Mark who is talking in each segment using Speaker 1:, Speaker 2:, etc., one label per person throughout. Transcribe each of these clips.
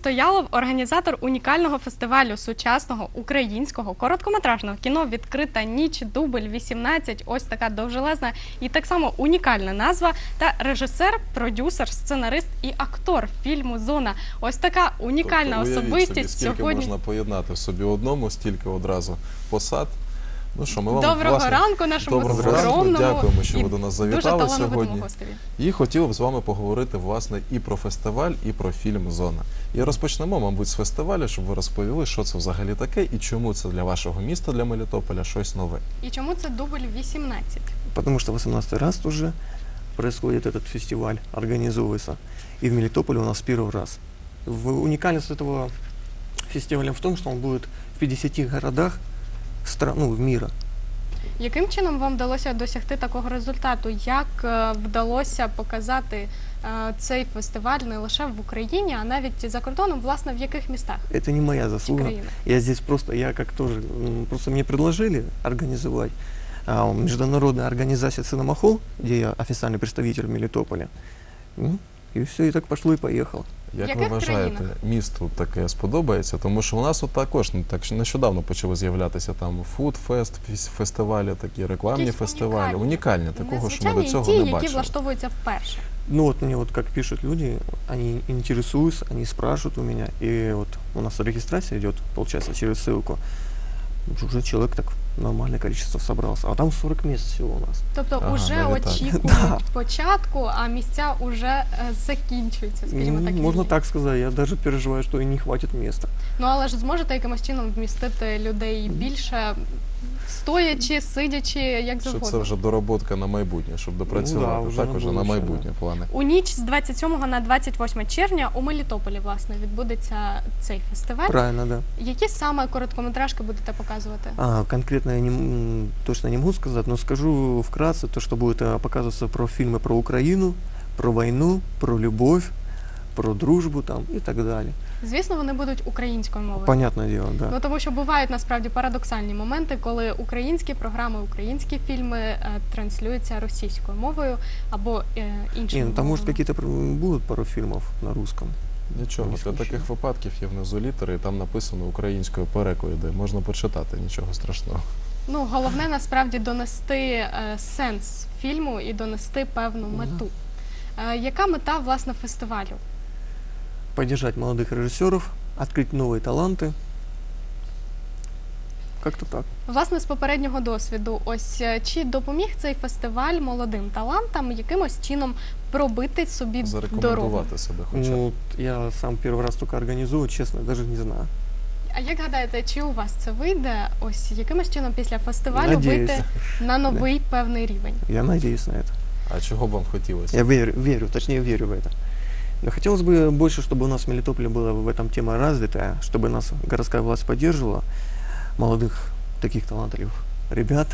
Speaker 1: Стоялов – організатор унікального фестивалю сучасного українського короткометражного кіно «Відкрита ніч», дубль 18, ось така довжелезна і так само унікальна назва, та режисер, продюсер, сценарист і актор фільму «Зона». Ось така унікальна особистість
Speaker 2: сьогодні. Скільки можна поєднати в собі одному, стільки одразу посад. Ну що, ми вам,
Speaker 1: доброго ранку нашому скромному,
Speaker 2: дякуємо, що ви до нас завітали
Speaker 1: сьогодні.
Speaker 2: І хотіли б з вами поговорити, власне, і про фестиваль, і про фільм «Зона». І розпочнемо, мабуть, з фестивалю, щоб ви розповіли, що це взагалі таке, і чому це для вашого міста, для Мелітополя, щось нове.
Speaker 1: І чому це дубль 18?
Speaker 3: Потому что 18 раз уже происходит этот фестиваль, организовывается. И в Мелитополе у нас первый раз. Уникальность этого фестиваля в том, что он будет в 50 городах мира.
Speaker 1: Яким чином вам вдалося досягти такого результату? Як вдалося показати цей фестиваль не лише в Україні, а навіть за кордоном, власне, в яких містах?
Speaker 3: Это не моя заслуга. Я здесь просто мне предложили организовать международная организация «Циномахол», где я официальный представитель в Мелитополе. І все, і так пішло, і поїхало.
Speaker 2: Як ви вважаєте, місту таке сподобається? Тому що у нас от також нещодавно почали з'являтися там фудфест, фестивалі, такі рекламні фестивалі. Унікальні, такого, що ми до цього не бачили.
Speaker 1: Які влаштовуються вперше.
Speaker 3: Ну вот мне вот как пишут люди, они интересуются, они спрашивают у меня. И вот у нас регистрация идет, получается, через ссылку. Уже человек так нормальное количество собрался. А там 40 мест всего у нас.
Speaker 1: Тобто вже очікують початку, а місця вже закінчуються, скажімо так.
Speaker 3: Можна так сказати. Я навіть переживаю, що і не хватить місця.
Speaker 1: Ну, але ж зможете якимось чином вмістити людей більше, стоячи, сидячи, як завгодно?
Speaker 2: Щоб це вже дороботка на майбутнє, щоб допрацювати. Так, вже на майбутнє плани.
Speaker 1: У ніч з 27 на 28 червня у Мелітополі, власне, відбудеться цей фестиваль.
Speaker 3: Правильно, да.
Speaker 1: Які саме короткометражки будете показувати?
Speaker 3: Конкретно я точно не можу сказати, але скажу вкратце, то, що буде показуватися про фільми про Україну, про війну, про любов, про дружбу там і так далі.
Speaker 1: Звісно, вони будуть українською мовою.
Speaker 3: Понятне діло, да.
Speaker 1: Ну, тому що бувають насправді парадоксальні моменти, коли українські програми, українські фільми транслюються російською мовою або іншою мовою.
Speaker 3: Там, може, якісь будуть пару фільмів на русском.
Speaker 2: Нічого, для таких випадків є внизу літери, і там написано українською переклади, можна почитати, нічого страшного.
Speaker 1: Ну, головне, насправді, донести сенс фільму і донести певну мету. Яка мета, власне, фестивалю?
Speaker 3: Поддержать молодых режиссеров, открыть новые таланты. Как-то так.
Speaker 1: Власне, з попереднього досвіду, ось чи допоміг цей фестиваль молодим талантам якимось чином пробити собі дорогу?
Speaker 2: Зарекомендувати себе хоча б.
Speaker 3: Ну, я сам перший раз тільки організую, чесно, навіть не знаю.
Speaker 1: А як гадаєте, чи у вас це вийде, ось якимось чином після фестивалю вийти на новий певний рівень?
Speaker 3: Я надеюсь на это.
Speaker 2: А чого б вам хотілося?
Speaker 3: Я верю в это. Но хотелось бы больше, чтобы у нас в Мелитополе была в этом тема развитая, чтобы нас городская власть поддерживала, молодых таких талантливых ребят,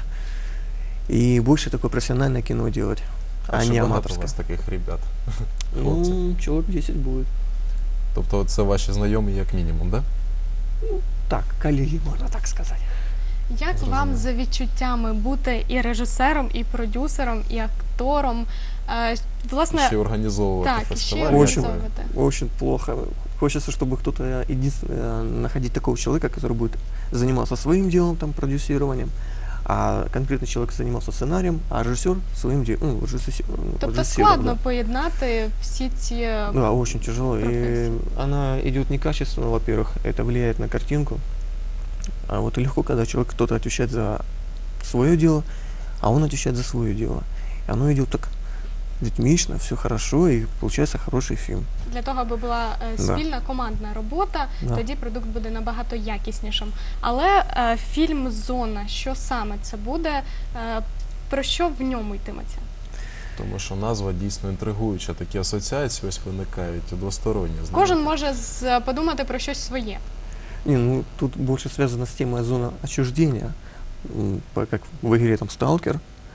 Speaker 3: и больше такое профессиональное кино делать, а не аматорское.
Speaker 2: У вас таких ребят?
Speaker 3: Ну, человек 10 будет.
Speaker 2: Тобто це ваші знайомі як мінімум, да?
Speaker 3: Ну, так, колеги, можна так сказати.
Speaker 1: Як вам за відчуттями бути і режисером, і продюсером, і актором? Власне,
Speaker 2: ще організовувати фестиваль?
Speaker 3: Очень плохо. Хочется, чтобы кто-то находить такого человека, который будет заниматься своим делом, там, продюсированием, а конкретный человек занимался сценарием, а режиссер своим делом.
Speaker 1: Тобто складно поєднати всі ці професії?
Speaker 3: Да, очень тяжело. И она идет некачественно, во-первых, это влияет на картинку. А вот легко, когда человек, кто-то отвечает за свое дело, а он отвечает за свое дело. И оно идет так ритмично, все хорошо, и получается хороший фільм.
Speaker 1: Для того, аби була спільна командна робота, тоді продукт буде набагато якіснішим. Але фільм «Зона», що саме це буде, про що в ньому йтиметься?
Speaker 2: Тому що назва дійсно інтригуюча, такі асоціації ось виникають двосторонні.
Speaker 1: Кожен може подумати про щось своє.
Speaker 3: Не, ну тут больше связано с темой «Зона отчуждения», как в игре там «Сталкер».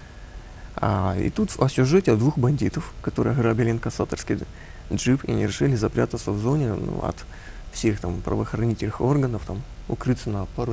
Speaker 3: И тут о сюжете двух бандитов, которые грабили инкассаторский джип и не решили запрятаться в зоне от всех там правоохранительных органов, там укрыться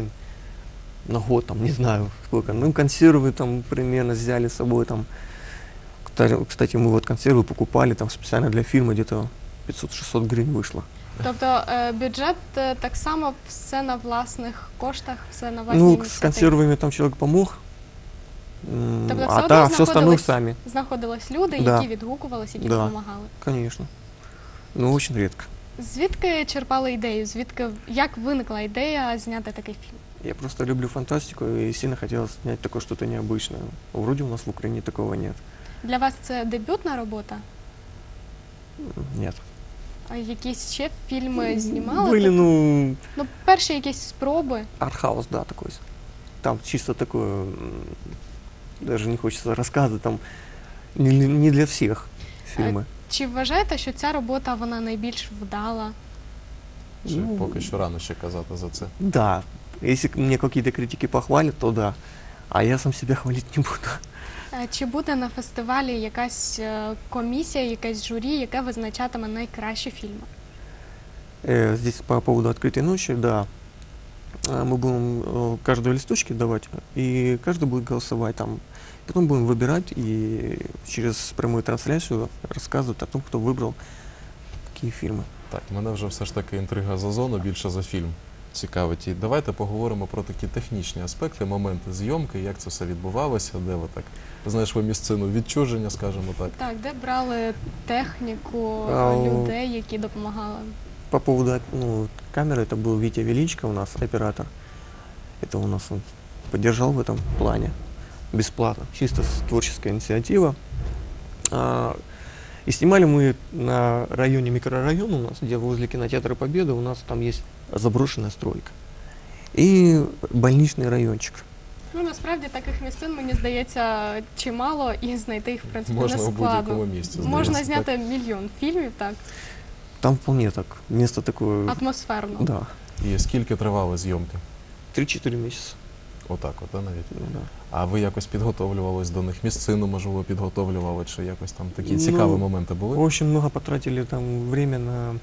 Speaker 3: на год, там, не знаю сколько. Ну, консервы там примерно взяли с собой, там. Кстати, мы вот консервы покупали там специально для фильма, где-то 500-600 гривен вышло.
Speaker 1: Тобто бюджет так само все на власних коштах, все на власній
Speaker 3: Ну, с
Speaker 1: ініціативі.
Speaker 3: консервами там человек помог,
Speaker 1: Тобто все
Speaker 3: а
Speaker 1: одно
Speaker 3: да, все остальное сами,
Speaker 1: знаходились люди,
Speaker 3: Да.
Speaker 1: які відгукувалися, які
Speaker 3: Да.
Speaker 1: допомагали.
Speaker 3: конечно. Но очень редко.
Speaker 1: Звідки черпали ідею? Як виникла ідея зняти такий фільм?
Speaker 3: Я просто люблю фантастику и сильно хотел снять такое что-то необычное. Вроде у нас в Украине такого нет.
Speaker 1: Для вас це дебютна робота?
Speaker 3: Нет.
Speaker 1: А якісь ще фільми знімали?
Speaker 3: Были, ну,
Speaker 1: Ну, перші якісь спроби.
Speaker 3: артхаус, да, такой. Там чисто такое, даже не хочется рассказывать, там не для всех фильмы.
Speaker 1: Чи вважаєте, що ця робота вона найбільш вдала?
Speaker 2: Чи
Speaker 3: Ну,
Speaker 2: поки що рано ще казати за це?
Speaker 3: Да, если мне какие-то критики похвалят, то да. А я сам себя хвалить не буду.
Speaker 1: Чи буде на фестивалі якась комісія, якесь журі, яке визначатиме найкращі фільми?
Speaker 3: Здесь по поводу открытой ночи, да. Мы будем каждого листочки давать, и каждый будет голосовать там. Потом будем выбирать и через прямую трансляцию рассказывать о том, кто выбрал какие фильмы.
Speaker 2: Так, мене вже все ж таки інтрига за зону більше за фільм цікавить. І давайте поговоримо про такі технічні аспекти, моменти зйомки, як це все відбувалося, де ви так, знаєш, ви місцину відчуження, скажімо так.
Speaker 1: Так, де брали техніку, людей, які допомагали?
Speaker 3: По поводу камеры, это был Витя Величко у нас, оператор. Это у нас он поддержал в этом плане бесплатно, чисто творческая инициатива. И снимали мы на районе, микрорайон у нас, где возле кинотеатра Победы, у нас там есть заброшенная стройка. И больничный райончик.
Speaker 1: Ну, насправді таких місцин, мені здається, чимало, і знайти їх, в принципі,
Speaker 2: Можна
Speaker 1: не
Speaker 2: у будь-якому
Speaker 1: складно.
Speaker 2: місці.
Speaker 1: Можна
Speaker 2: здається,
Speaker 1: зняти мільйон фільмів, так,
Speaker 3: Там вполне так, место такое,
Speaker 1: атмосферно.
Speaker 3: да,
Speaker 2: так. І скільки тривали зйомки?
Speaker 3: 3-4 месяца.
Speaker 2: Отак, от, навіть.
Speaker 3: Ну, да.
Speaker 2: А ви якось підготовлювались до них? Місцину, можливо, підготовлювали, чи якось там такі
Speaker 3: Ну,
Speaker 2: цікаві моменти були?
Speaker 3: Очень много потратили там время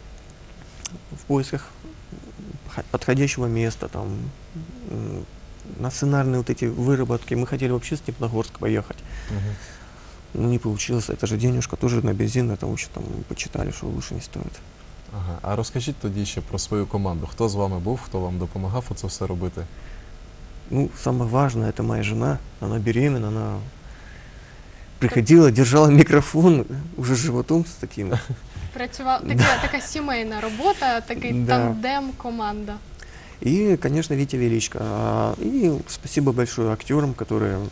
Speaker 3: в поисках подходящего места, там, на сценарные вот эти выработки. Мы хотели вообще в Степногорск поехать,
Speaker 2: Мгм.
Speaker 3: но не получилось. Это же денежка тоже на бензин, потому что там почитали, что лучше не стоит.
Speaker 2: Ага. А розкажіть тоді ще про свою команду. Хто з вами був, хто вам допомагав оце все робити?
Speaker 3: Ну, самое важное, это моя жена, она беременна, она приходила, держала микрофон уже с животом с таким.
Speaker 1: Така сімейна робота, такий
Speaker 3: Да.
Speaker 1: тандем, команда.
Speaker 3: И, конечно, Витя Величко. И спасибо большое актерам, которые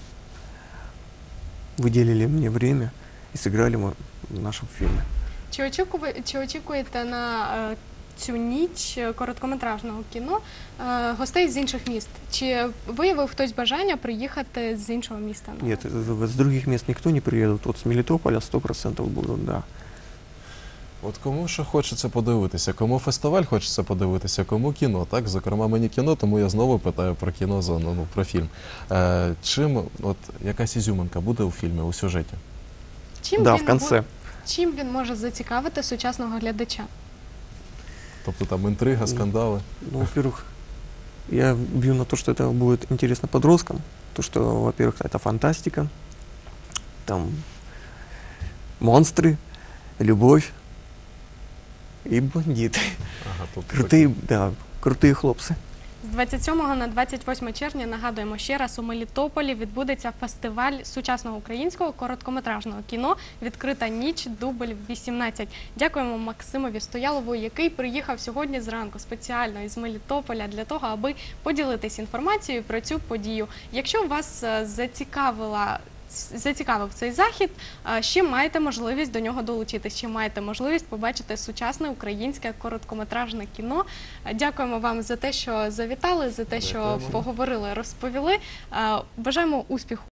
Speaker 3: выделили мне время и сыграли в нашем фильме.
Speaker 1: Чи очікуєте на цю ніч короткометражного кіно гостей з інших міст? Чи виявив хтось бажання приїхати з іншого міста?
Speaker 3: Нет, с других мест никто не приедет. Вот с Мелитополя 100% будут, да.
Speaker 2: От кому що хочеться подивитися, кому фестиваль хочеться подивитися, кому кіно, так? Зокрема, мені кіно, тому я знову питаю про кінозону, ну, про фільм. Чим, от, якась ізюминка буде у фільмі, у сюжеті?
Speaker 3: Да, в конце.
Speaker 1: Чим він може зацікавити сучасного глядача?
Speaker 2: Тобто там інтрига, скандали.
Speaker 3: Ну, во-первых, я бью на то, что это будет интересно подросткам. То, что, во-первых, это фантастика, там монстры, любовь и бандиты.
Speaker 2: Ага, тобто
Speaker 3: Крутые, да, крутые хлопцы.
Speaker 1: З 27 на 28 червня, нагадуємо ще раз, у Мелітополі відбудеться фестиваль сучасного українського короткометражного кіно «Відкрита ніч. Дубль 18». Дякуємо Максимові Стоялову, який приїхав сьогодні зранку спеціально із Мелітополя для того, аби поділитись інформацією про цю подію. Якщо вас зацікавив цей захід, ще маєте можливість до нього долучитись, ще маєте можливість побачити сучасне українське короткометражне кіно. Дякуємо вам за те, що завітали, за те, що
Speaker 2: Дякуємо.
Speaker 1: поговорили, розповіли. Бажаємо успіху